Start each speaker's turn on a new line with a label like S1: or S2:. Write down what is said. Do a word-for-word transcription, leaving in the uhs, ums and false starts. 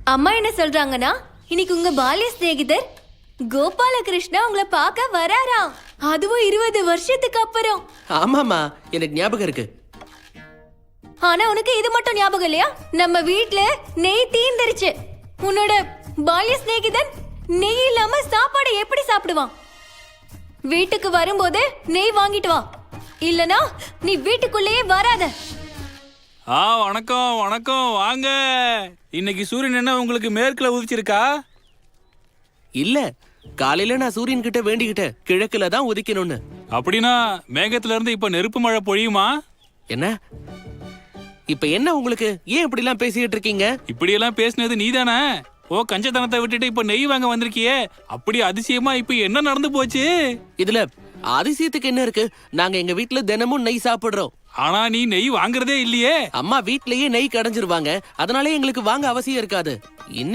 S1: அம்மா என்ன சொல்றாங்கன்னா இன்னைக்கு உங்க பால்ய சிநேகிதர் கோபாலகிருஷ்ணா உங்களை பார்க்க வராராம். அதுவும் இருபது வருஷத்துக்கு அப்புறம்.
S2: ஆமாமா, எனக்கு ஞாபகம் இருக்கு.
S1: ஆனா உனக்கு இது மட்டும் ஞாபகம் இல்லையா? நம்ம வீட்ல நெய் தீந்துருச்சு. உன்னோட பால்ய சிநேகிதன் நெய் இல்லாம சாப்பாடு எப்படி சாப்பிடுவான்? வீட்டுக்கு வரும்போது நெய் வாங்கிட்டு வா, இல்லனா நீ வீட்டுக்குள்ளேயே வராத.
S3: ஆ வணக்கம் வணக்கம், வாங்க. இன்னைக்கு சூரியன் என்ன உங்களுக்கு மேற்குல உதிச்சிருக்கா?
S2: இல்ல, காலையில நான் சூரியன் கிட்ட வேண்டிக்கிட்டேன் கிழக்குல தான் உதிக்கணும்னு.
S3: அப்படின்னா மேகத்துல இருந்து இப்ப நெருப்பு மழை பொழியுமா?
S2: என்ன இப்ப என்ன உங்களுக்கு? ஏன் இப்படி எல்லாம் பேசிட்டு இருக்கீங்க?
S3: இப்படி எல்லாம் பேசினது நீதானே? ஓ, கஞ்சத்தனத்தை விட்டுட்டு இப்ப நெய் வாங்க வந்திருக்கியே, அப்படி அதிசயமா இப்ப என்ன நடந்து போச்சு?
S2: இதுல அதிசயத்துக்கு என்ன இருக்கு? நாங்க எங்க வீட்டுல தினமும் நெய் சாப்பிடுறோம்.
S3: ஆனா நீ நெய் வாங்குறதே இல்லையே.
S2: அம்மா வீட்லயே நெய் கடைஞ்சிருவாங்க, அதனாலே எங்களுக்கு வாங்க அவசியம் இருக்காது. இன்னைக்கு